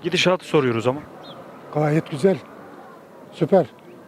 Gidişatı soruyoruz ama. Gayet güzel. Süper.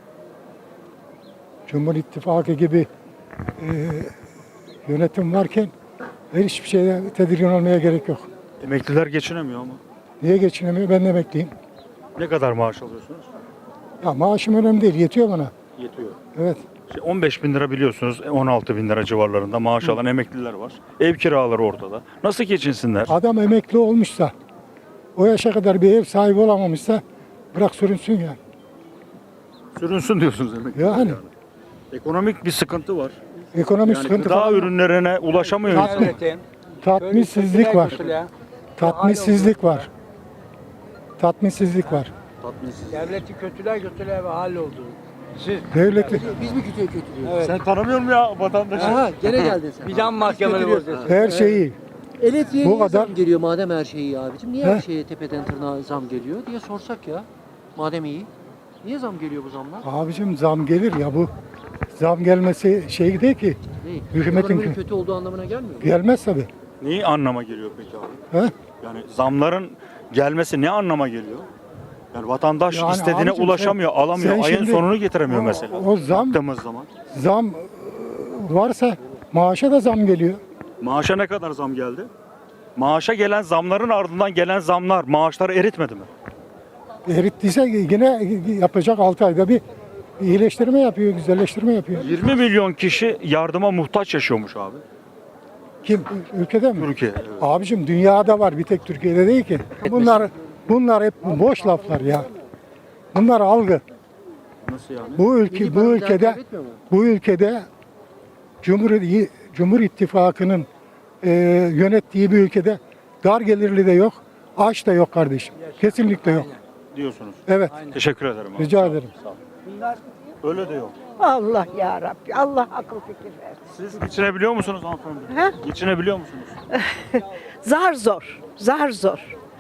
Cumhur İttifakı gibi e, yönetim varken hiçbir şeye tedirgin olmaya gerek yok. Emekliler geçinemiyor ama. Niye geçinemiyor? Ben de emekliyim. Ne kadar maaş alıyorsunuz? Ya maaşım önemli değil. Yetiyor bana. Yetiyor. Evet. 15 bin lira biliyorsunuz, 16 bin lira civarlarında maaş alan emekliler var. Ev kiraları ortada. Nasıl geçinsinler? Adam emekli olmuşsa, o yaşa kadar bir ev sahibi olamamışsa bırak sürünsün yani. Sürünsün diyorsunuz emekli. Yani. Ekonomik bir sıkıntı var. Ekonomik Yani sıkıntı gıda falan. ürünlerine ulaşamıyor insan. Tatminsizlik var. Tatminsizlik var. Tatminsizlik var. Tatminsiz. Devleti kötüler ve halloldu. Siz Devleti Biz mi kötülüyoruz? evet. Sen tanımıyor musun ya vatandaşı? Aha gene geldin sen. Vicdan mahkemeleri bozuyorsun. her şeyi Elektriğe Bu niye kadar- zam geliyor madem her şey iyi abicim? Niye He? her şeye tepeden tırnağa zam geliyor diye sorsak ya. Madem iyi. Niye zam geliyor bu zamlar? abicim zam gelir ya bu. Zam gelmesi şey değil ki. Değil. Hükümetin Ekonominin kötü olduğu anlamına gelmiyor mu? Gelmez tabii. Neyi anlama geliyor peki abi? He? Yani zamların gelmesi ne anlama geliyor? Yani vatandaş Yani istediğine abicim ulaşamıyor, sen alamıyor. Ayın şimdi- sonunu getiremiyor mesela. o zam- Baktığımız zaman. Zam varsa maaşa da zam geliyor. Maaşa ne kadar zam geldi? Maaşa gelen zamların ardından gelen zamlar maaşları eritmedi mi? Erittiyse yine yapacak 6 ayda bir iyileştirme yapıyor, güzelleştirme yapıyor. 20 milyon kişi yardıma muhtaç yaşıyormuş abi. Kim? Ülkede mi? Türkiye. Evet. Abicim dünyada var, bir tek Türkiye'de değil ki. Bunlar hep boş laflar ya. Bunlar algı. Nasıl yani? Milli paranı değer kaybetmiyor mu? Bu ülkede Cumhur İttifakı'nın yönettiği bir ülkede dar gelirli de yok, aç da yok kardeşim. Kesinlikle yok. Diyorsunuz. Evet. Teşekkür ederim abi. Rica ederim. Öyle de yok. Allah ya Rabbi, Allah akıl fikir versin. Siz geçinebiliyor musunuz hanımefendi? He? Geçinebiliyor musunuz? Zar zor, zar zor.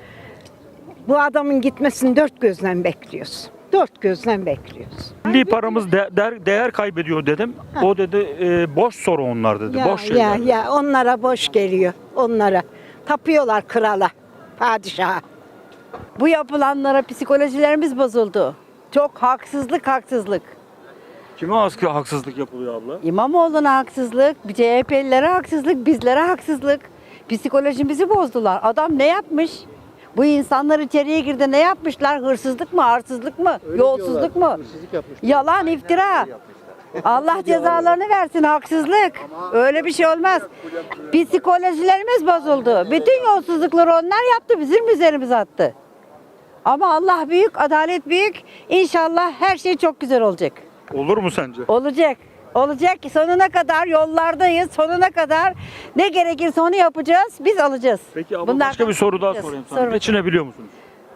Bu adamın gitmesini dört gözle bekliyoruz. Dört gözle bekliyoruz. Milli paramız değer kaybediyor dedim. O dedi boş soru onlar dedi. Ya, boş şeyler. ya onlara boş geliyor, onlara. Tapıyorlar krala, padişaha. Bu yapılanlara psikolojilerimiz bozuldu. Çok haksızlık. Kime haksızlık yapılıyor abla? İmamoğlu'na haksızlık, CHP'lilere haksızlık, bizlere haksızlık. Psikolojimizi bozdular. Adam ne yapmış? Bu insanlar içeriye girdi, ne yapmışlar? Hırsızlık mı, arsızlık mı, yolsuzluk mu? Hırsızlık yapmışlar. Yalan, iftira. Allah cezalarını versin, haksızlık. Öyle bir şey olmaz. Psikolojilerimiz bozuldu. Bütün yolsuzlukları onlar yaptı, bizim üzerimize attı. Ama Allah büyük, adalet büyük. İnşallah her şey çok güzel olacak. Olur mu sence? Olacak. Olacak. Sonuna kadar yollardayız. Sonuna kadar ne gerekirse onu yapacağız. Biz alacağız. Peki abla Bundan başka bir soru daha alacağız. sorayım Sor sana. bakalım. Geçinebiliyor musunuz?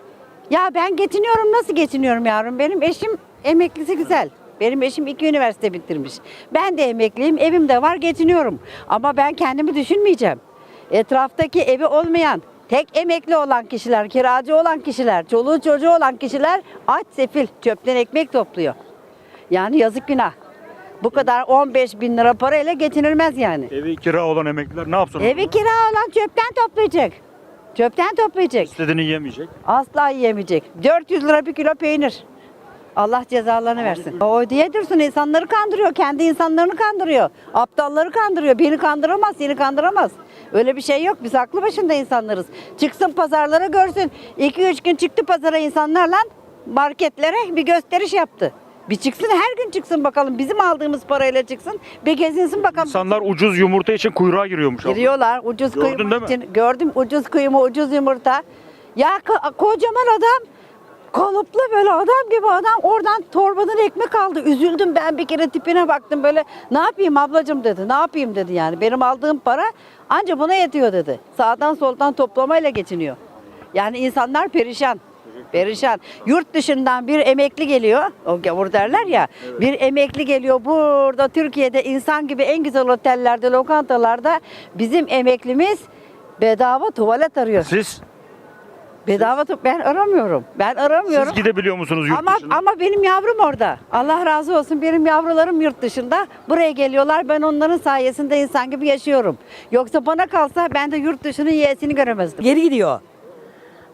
Ya ben geçiniyorum. Nasıl geçiniyorum yavrum? Benim eşim emeklisi güzel. Benim eşim 2 üniversite bitirmiş. Ben de emekliyim. Evim de var. Geçiniyorum. Ama ben kendimi düşünmeyeceğim. Etraftaki evi olmayan, tek emekli olan kişiler, kiracı olan kişiler, çoluğu çocuğu olan kişiler aç sefil çöpten ekmek topluyor. Yani yazık günah. Bu kadar 15 bin lira parayla geçinilmez yani. Evi kira olan emekliler ne yapsın? Evi kira olan çöpten toplayacak. Çöpten toplayacak. İstediğini yemeyecek. Asla yiyemeyecek. 400 lira bir kilo peynir. Allah cezalarını versin. O diye dursun, insanları kandırıyor. Kendi insanlarını kandırıyor. Aptalları kandırıyor. Beni kandıramaz, seni kandıramaz. Öyle bir şey yok. Biz aklı başında insanlarız. Çıksın pazarlara görsün. 2-3 gün çıktı pazara insanlarla marketlere bir gösteriş yaptı. Bir çıksın, her gün çıksın bakalım. Bizim aldığımız parayla çıksın. Bir gezinsin bakalım. İnsanlar ucuz yumurta için kuyruğa giriyormuş abla. Giriyorlar ucuz Gördün kıyma değil mi? için. Gördüm, ucuz kıyma, ucuz yumurta. Ya kocaman adam, kalıplı böyle adam gibi adam, oradan torbadan ekmek aldı. Üzüldüm ben, bir kere tipine baktım böyle. Ne yapayım ablacığım dedi. Ne yapayım dedi yani. Benim aldığım para anca buna yetiyor dedi. Sağdan soldan toplamayla geçiniyor. Yani insanlar perişan. Perişan. Yurt dışından bir emekli geliyor. O gavur derler ya. Bir emekli geliyor burada Türkiye'de insan gibi en güzel otellerde, lokantalarda bizim emeklimiz bedava tuvalet arıyor. Siz Bedava ben aramıyorum. Ben aramıyorum. siz gidebiliyor musunuz yurt Ama dışına? ama benim yavrum orada. Allah razı olsun, benim yavrularım yurt dışında. Buraya geliyorlar. Ben onların sayesinde insan gibi yaşıyorum. Yoksa bana kalsa ben de yurt dışının yeğesini göremezdim. Geri gidiyor.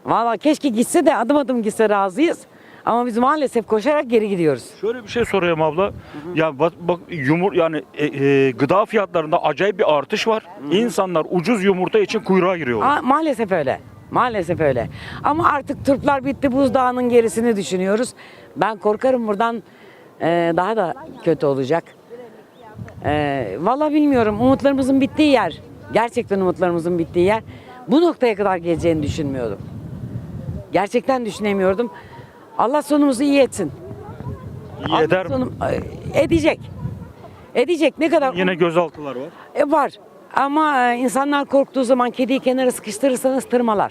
Valla keşke gitse de adım adım gitse razıyız. Ama biz maalesef koşarak geri gidiyoruz. Şöyle bir şey sorayım abla. Ya bak yani gıda fiyatlarında acayip bir artış var. İnsanlar ucuz yumurta için kuyruğa giriyorlar. Maalesef öyle. Maalesef öyle. Ama artık turplar bitti, buzdağının gerisini düşünüyoruz. Ben korkarım buradan daha da kötü olacak. Valla bilmiyorum. Umutlarımızın bittiği yer. Gerçekten umutlarımızın bittiği yer. Bu noktaya kadar geleceğini düşünmüyordum. Gerçekten düşünemiyordum. Allah sonumuzu iyi etsin. İyi eder mi? Edecek. Edecek. Ne kadar? Yine gözaltılar var. Var. Ama insanlar korktuğu zaman kediyi kenara sıkıştırırsanız tırmalar.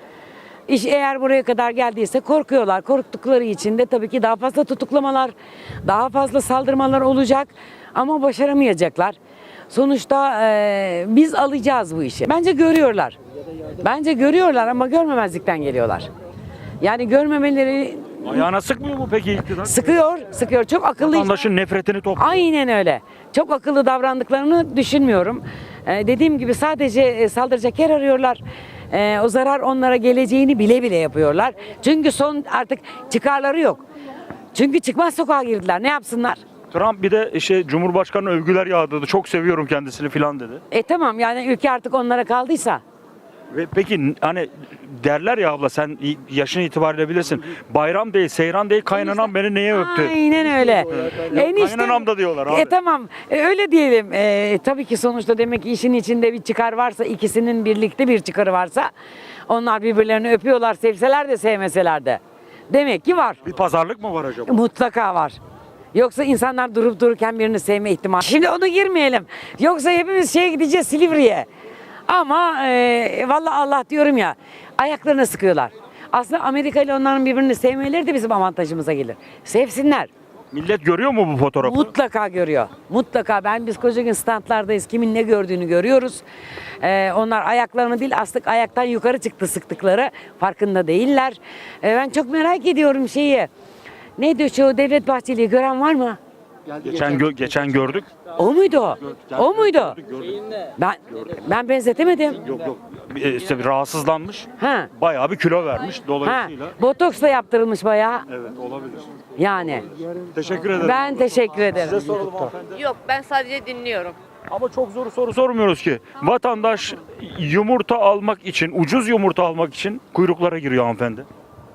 İş eğer buraya kadar geldiyse korkuyorlar. Korktukları için de tabii ki daha fazla tutuklamalar, daha fazla saldırmalar olacak. Ama başaramayacaklar. Sonuçta biz alacağız bu işi. Bence görüyorlar. Bence görüyorlar ama görmemezlikten geliyorlar. Yani görmemeleri Ayağına sıkmıyor mu peki iktidar? sıkıyor, sıkıyor. Çok akıllı. Vatandaşın nefretini topluyor. Aynen öyle. Çok akıllı davrandıklarını düşünmüyorum. Dediğim gibi sadece saldıracak yer arıyorlar. O zarar onlara geleceğini bile bile yapıyorlar. Çünkü son artık çıkarları yok. Çünkü çıkmaz sokağa girdiler. Ne yapsınlar? Trump bir de Cumhurbaşkanı övgüler yağdırdı. Çok seviyorum kendisini filan dedi. Tamam yani ülke artık onlara kaldıysa. Ve peki hani derler ya abla sen yaşın itibariyle bilirsin. Bayram değil, seyran değil, kaynanan beni neye öptü? Aynen öyle. Kaynanam da diyorlar abi. Tamam öyle diyelim. Tabii ki sonuçta demek ki işin içinde bir çıkar varsa, ikisinin birlikte bir çıkarı varsa onlar birbirlerini öpüyorlar, sevseler de sevmeseler de. Demek ki var. Bir pazarlık mı var acaba? Mutlaka var. Yoksa insanlar durup dururken birini sevme ihtimali. Şimdi onu girmeyelim. Yoksa hepimiz gideceğiz Silivri'ye. Ama vallahi Allah diyorum ya ayaklarına sıkıyorlar. Aslında Amerika ile onların birbirini sevmeleri de bizim avantajımıza gelir. Sevsinler. Millet görüyor mu bu fotoğrafı? Mutlaka görüyor. Mutlaka. Biz koca gün standlardayız. Kimin ne gördüğünü görüyoruz. Onlar ayaklarını değil astık ayaktan yukarı çıktı sıktıkları. Farkında değiller. Ben çok merak ediyorum şeyi. Neydi şu Devlet Bahçeli'yi gören var mı? Geçen gördük. O muydu o? O muydu? Ben benzetemedim. Yok. İşte bir rahatsızlanmış. Ha. Bayağı bir kilo vermiş Ha. dolayısıyla. Botoks da yaptırılmış bayağı. Evet olabilir. Yani. Teşekkür ederim. Ben teşekkür ederim. Size soralım hanımefendi. Yok ben sadece dinliyorum. Ama çok zor soru sormuyoruz ki. Vatandaş yumurta almak için, ucuz yumurta almak için kuyruklara giriyor hanımefendi.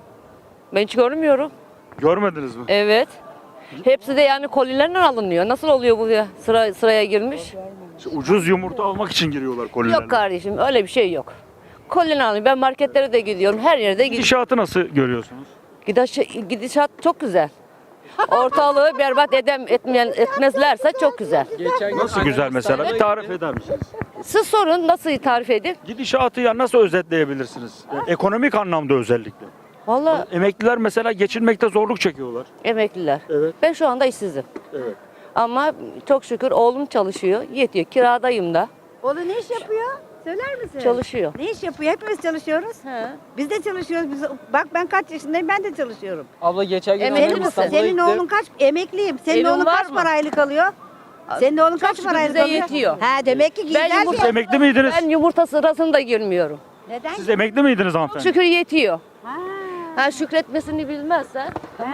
Ben hiç görmüyorum. Görmediniz mi? Evet. Hepsi de yani kolilerle alınıyor. Nasıl oluyor bu ya? Sıraya girmiş? İşte ucuz yumurta almak için giriyorlar kolilerle. Yok kardeşim öyle bir şey yok. Kolini alıyor. Ben marketlere de gidiyorum. Her yerde gidiyorum. Gidişatı nasıl görüyorsunuz? Gidişat çok güzel. Ortalığı berbat etmezlerse çok güzel. Nasıl güzel mesela? Bir tarif eder misiniz? Siz sorun nasıl tarif edeyim? Gidişatı ya nasıl özetleyebilirsiniz? Ekonomik anlamda özellikle. Vallahi Emekliler mesela geçinmekte zorluk çekiyorlar. emekliler. Evet. Ben şu anda işsizim. Evet. Ama çok şükür oğlum çalışıyor. Yetiyor. Kiradayım da. Oğlum ne iş yapıyor? Söyler misin? Çalışıyor. Ne iş yapıyor? Hepimiz çalışıyoruz. He. Biz de çalışıyoruz. Bak ben kaç yaşındayım ben de çalışıyorum. Abla geçen gün Emekli annem misin? İstanbul'a Senin gitti. oğlun kaç? Emekliyim. Senin Evin oğlun var kaç mı? para aylık alıyor? Senin oğlun Çok kaç şükür para aylık bize alıyor? yetiyor. Ha demek ki Ben güzel. yumurta- Siz emekli miydiniz? Ben yumurta sırasına da girmiyorum. Neden? Siz emekli miydiniz Çok hanımefendi? şükür yetiyor. Ha. Ha şükretmesini bilmezsen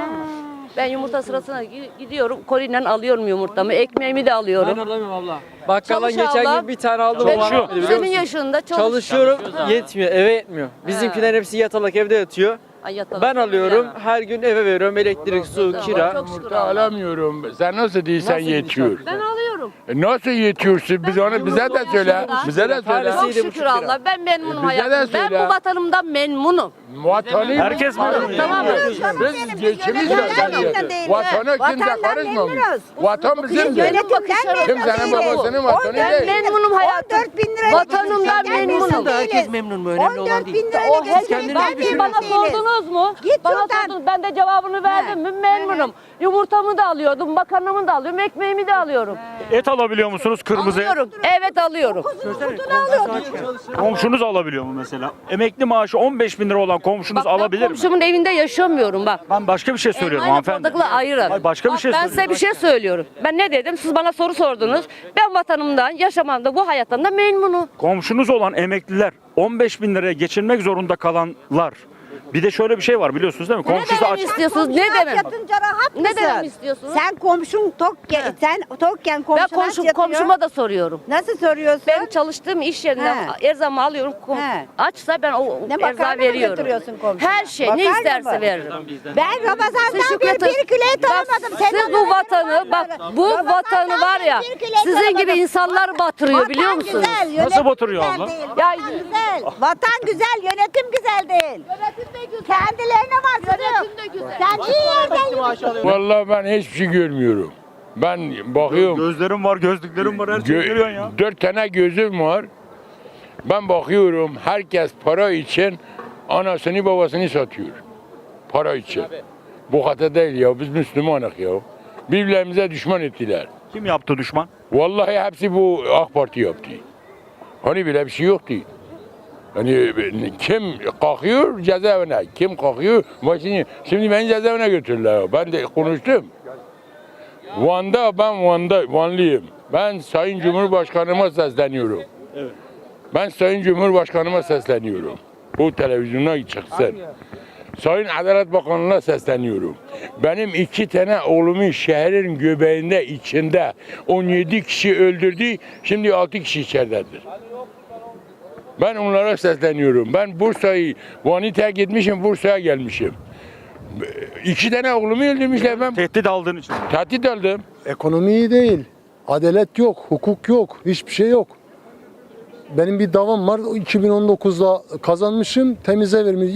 ben yumurta sırasına gidiyorum. Koliyle alıyorum yumurtamı. Ekmeğimi de Ben alıyorum. alamıyorum abla. Bakkaldan Çalış geçen abla. gün bir tane aldım. Ben o bana Çalışıyor. vermedi, biliyor senin musun? yaşında Çalışıyorum yetmiyor eve yetmiyor. Bizimkiler hepsi yatalak evde yatıyor. Ay, yatalak. Ben alıyorum her gün eve veriyorum elektrik, su, Tamam, kira. çok şükür Yumurta Allah. alamıyorum. Sen nasıl değilsen Nasıl yetiyor. Ben alıyorum. Nasıl yetiyorsun? Biz onu bize de söyle. Bize de söyle. Tanesi Çok 7,5 şükür lira. Allah. Ben memnunum bize de hayatımdan. Ben söyle. bu vatanımdan memnunum. Vatanı Herkes memnun. Tamam. Biz geçimiz Yönetimden Vatana kimse Vatandan karışmamış. memnunuz. Vatan bizimdir. Yönetimden Kimsenin babasının vatanı Ben değil. memnunum hayatım. 14 bin lira. Vatanımdan memnunum. Herkes memnun mu? Önemli olan 14 değil. bin lirayla geçinmek Ben bir bana sordunuz mu? Git Bana şuradan. sordunuz. Ben de cevabını verdim mi? Memnunum. Yumurtamı da alıyordum, makarnamı da alıyorum, ekmeğimi de alıyorum. Et alabiliyor musunuz kırmızı et? Alıyorum. Evet alıyorum. Komşunuz alabiliyor mu mesela? Emekli maaşı 15 bin lira olan komşunuz Bak, ben alabilir mi? komşumun evinde yaşamıyorum bak. Ben başka bir şey söylüyorum Aynı hanımefendi. bardakla ayırın. Hayır, başka bir Bak, şey ben size söylüyorum. bir şey söylüyorum. Ben ne dedim? Siz bana soru sordunuz. Ben vatanımdan, yaşamamda, bu hayattan da memnunum. Komşunuz olan emekliler 15 bin liraya geçinmek zorunda kalanlar Bir de şöyle bir şey var biliyorsunuz değil mi? Komşusu demem aç. istiyorsunuz? Ne Komşuna demem? yatınca rahat Ne mısın? demem istiyorsunuz? Sen komşun tokken, sen tokken Ben komşuna yatıyor. komşuma da soruyorum. Nasıl soruyorsun? Ben çalıştığım iş yerinden erzağımı alıyorum. He. Açsa ben o Ne makarna erzağı mı veriyorum. götürüyorsun komşuna? Her şey ne Makarna isterse mı? veririm. Ben Ramazan'dan Siz beri şükredin. bir kilo et Bak, almadım. siz bu vatanı bak bu vatanı var ya sizin gibi insanlar batırıyor biliyor musunuz? Güzel, yönetim Nasıl batırıyor güzel abla? değil. Ya- Vatan güzel. Vatan güzel, yönetim güzel değil. Yönetim de güzel. Kendilerine bak. Yönetim de güzel. Sen iyi yerden Vallahi ben hiçbir şey görmüyorum. Ben bakıyorum. Gözlerim var, gözlüklerim var, her şeyi görüyorsun ya. 4 tane gözüm var. Ben bakıyorum herkes para için anasını babasını satıyor. Para için. Bu hata değil ya. Biz Müslümanız ya. Birbirlerimize düşman ettiler. Kim yaptı düşman? Vallahi hepsi bu AK Parti yaptı. Hani bile bir şey yoktu. Hani kim kalkıyor cezaevine, kim kalkıyor başını. Şimdi beni cezaevine götürdüler. Ben de konuştum. Vanlıyım. Ben Sayın Cumhurbaşkanıma sesleniyorum. Ben Sayın Cumhurbaşkanıma sesleniyorum. Bu televizyona çıksın. Sayın Adalet Bakanlığı'na sesleniyorum. Benim 2 tane oğlumun şehrin göbeğinde içinde 17 kişi öldürdü. Şimdi 6 kişi içeridedir. Ben onlara sesleniyorum. Ben Bursa'yı, Van'ı terk etmişim, Bursa'ya gelmişim. 2 tane oğlumu öldürmüşler. Ben Tehdit aldığın için. tehdit aldım. Ekonomi iyi değil. Adalet yok, hukuk yok, hiçbir şey yok. Benim bir davam var. 2019'da kazanmışım. Temize vermiş.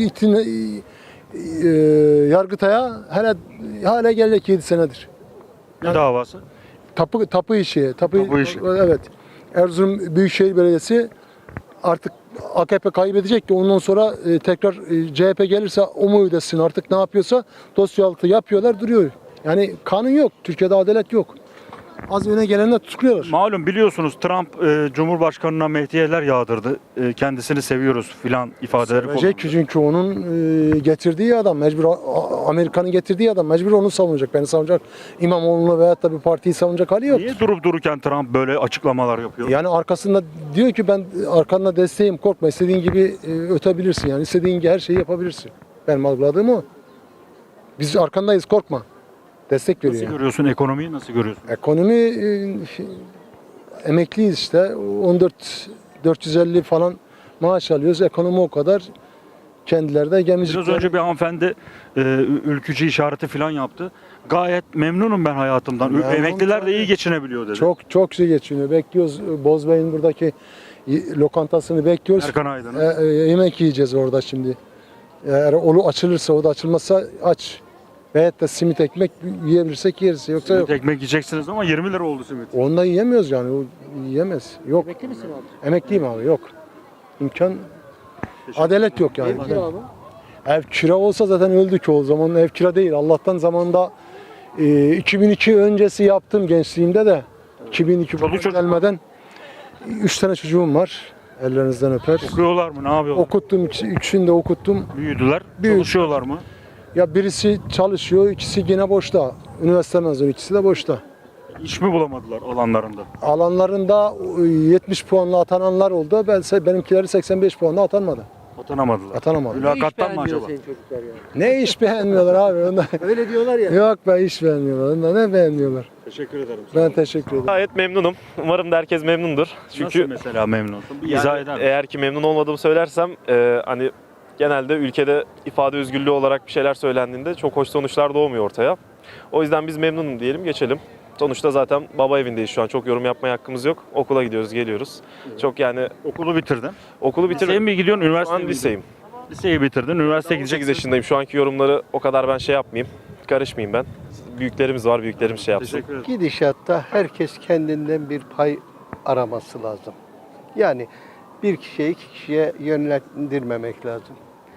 Yargıtay'a hala gelecek 7 senedir. Ne davası? Tapu işi. Tapu işi. Evet. Erzurum Büyükşehir Belediyesi artık AKP kaybedecek ki ondan sonra tekrar CHP gelirse o mu ödesin artık ne yapıyorsa dosya altı yapıyorlar duruyor. Yani kanun yok. Türkiye'de adalet yok. Az öne gelenler tutukluyorlar. Malum biliyorsunuz Trump Cumhurbaşkanı'na mehdiyeler yağdırdı. Kendisini seviyoruz filan ifadeleri Sevecek kullandı. çünkü onun getirdiği adam mecbur Amerika'nın getirdiği adam mecbur onu savunacak. Beni savunacak. İmamoğlu'nu veyahut da bir partiyi savunacak hali yok. Niye durup dururken Trump böyle açıklamalar yapıyor? Yani arkasında diyor ki ben arkanda desteğim korkma istediğin gibi ötebilirsin yani istediğin gibi her şeyi yapabilirsin. Benim algıladığım o. Biz arkandayız korkma. Destek veriyor. Nasıl yani. görüyorsun ekonomiyi nasıl görüyorsun? Ekonomi emekliyiz işte 14.450 falan maaş alıyoruz. Ekonomi o kadar. Kendileri de gemicik. Biraz önce bir hanımefendi ülkücü işareti falan yaptı. Gayet memnunum ben hayatımdan. Memnun Emekliler de tabii. iyi geçinebiliyor dedi. Çok şey geçiniyor. Bekliyoruz. Bozbey'in buradaki lokantasını bekliyoruz. Erkan Aydın'ın. Yemek yiyeceğiz orada şimdi. Eğer o açılırsa o da açılmazsa aç. Veyahut da simit ekmek yiyebilirsek yeriz. Yoksa yok. Ekmek yiyeceksiniz ama 20 lira oldu simit. Onu da yiyemiyoruz yani. O yiyemez. Yok. Emekli misin abi? Emekliyim abi. Yok. İmkan. Adalet yok yani. Ev kira mı? Ev kira olsa zaten öldük o zaman. Ev kira değil. Allah'tan zamanında 2002 öncesi yaptım gençliğimde de. 2002 Çoluk çocuk gelmeden 3 tane çocuğum var. Ellerinizden öper. okuyorlar mı? Ne yapıyorlar? Okuttum. Üçünü de okuttum. Büyüdüler. Büyüdü. Çalışıyorlar mı? Ya birisi çalışıyor, ikisi yine boşta. Üniversite mezunu, ikisi de boşta. İş mi bulamadılar alanlarında? Alanlarında 70 puanla atananlar oldu. Benimkileri 85 puanla atanmadı. Atanamadılar. Atanamadı. Mülakattan mı beğenmiyor acaba? senin çocuklar yani. Ne iş beğenmiyorlar abi? Onda. Öyle diyorlar ya. Yok be iş beğenmiyorlar. Onda ne beğenmiyorlar? Teşekkür ederim. Ben teşekkür ederim. Gayet memnunum. Umarım da herkes memnundur. Çünkü Nasıl mesela memnunsun? Bir izah eder misin? eğer ki memnun olmadığımı söylersem hani genelde ülkede ifade özgürlüğü olarak bir şeyler söylendiğinde çok hoş sonuçlar doğmuyor ortaya. O yüzden biz memnunum diyelim geçelim. Sonuçta zaten baba evindeyiz şu an. Çok yorum yapmaya hakkımız yok. Okula gidiyoruz, geliyoruz. Çok yani Okulu bitirdin. okulu Liseye bitirdim. mi gidiyorsun, Şu üniversiteye an mi liseyim. gidiyorsun? Liseyi bitirdin, üniversiteye 18 gideceksin. yaşındayım. Şu anki yorumları o kadar ben şey yapmayayım. Karışmayayım ben. Büyüklerimiz var, büyüklerimiz şey yapsın. Teşekkür ederim. Gidişatta herkes kendinden bir pay araması lazım. Yani bir kişiye iki kişiye yönlendirmemek lazım.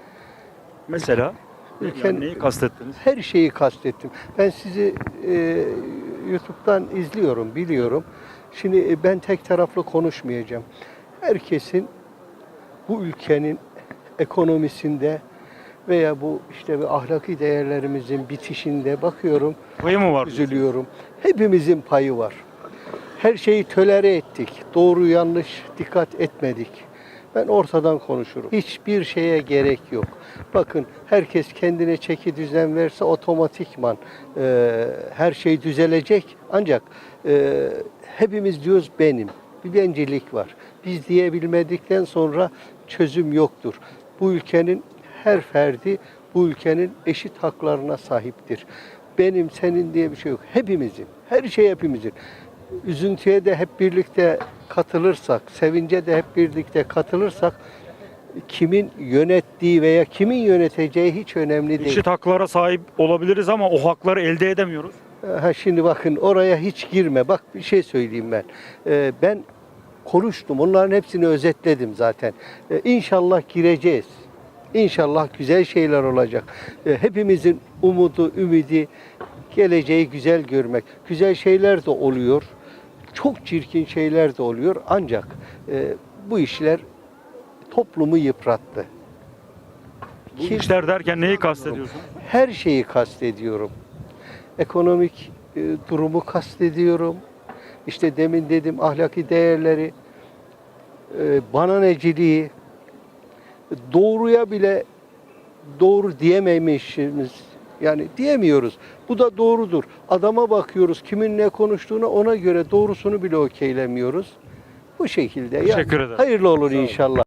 Mesela Ülken- yani neyi kastettiniz? Her şeyi kastettim. Ben sizi YouTube'dan izliyorum, biliyorum. Şimdi ben tek taraflı konuşmayacağım. Herkesin bu ülkenin ekonomisinde veya bu işte bir ahlaki değerlerimizin bitişinde bakıyorum, Payı mı var? üzülüyorum. Hepimizin payı var. Her şeyi tolere ettik. Doğru yanlış dikkat etmedik. Ben ortadan konuşurum. Hiçbir şeye gerek yok. Bakın herkes kendine çeki düzen verse otomatikman her şey düzelecek. Ancak hepimiz diyoruz benim. Bir bencillik var. Biz diyebilmedikten sonra çözüm yoktur. Bu ülkenin her ferdi bu ülkenin eşit haklarına sahiptir. Benim, senin diye bir şey yok. Hepimizin, her şey hepimizin. Üzüntüye de hep birlikte katılırsak, sevince de hep birlikte katılırsak kimin yönettiği veya kimin yöneteceği hiç önemli değil. Eşit haklara sahip olabiliriz ama o hakları elde edemiyoruz. Şimdi bakın oraya hiç girme. Bak bir şey söyleyeyim ben. Ben konuştum. Onların hepsini özetledim zaten. İnşallah gireceğiz. İnşallah güzel şeyler olacak. Hepimizin umudu, ümidi, geleceği güzel görmek. Güzel şeyler de oluyor. Çok çirkin şeyler de oluyor. Ancak bu işler toplumu yıprattı. Bu işler derken neyi kastediyorsun? Her şeyi kastediyorum. Ekonomik durumu kastediyorum. İşte demin dedim ahlaki değerleri, bananeciliği, doğruya bile doğru diyememişiz. Yani diyemiyoruz. Bu da doğrudur. Adama bakıyoruz kimin ne konuştuğuna, ona göre doğrusunu bile okeylemiyoruz. Bu şekilde. Teşekkür ederim. Hayırlı olur inşallah.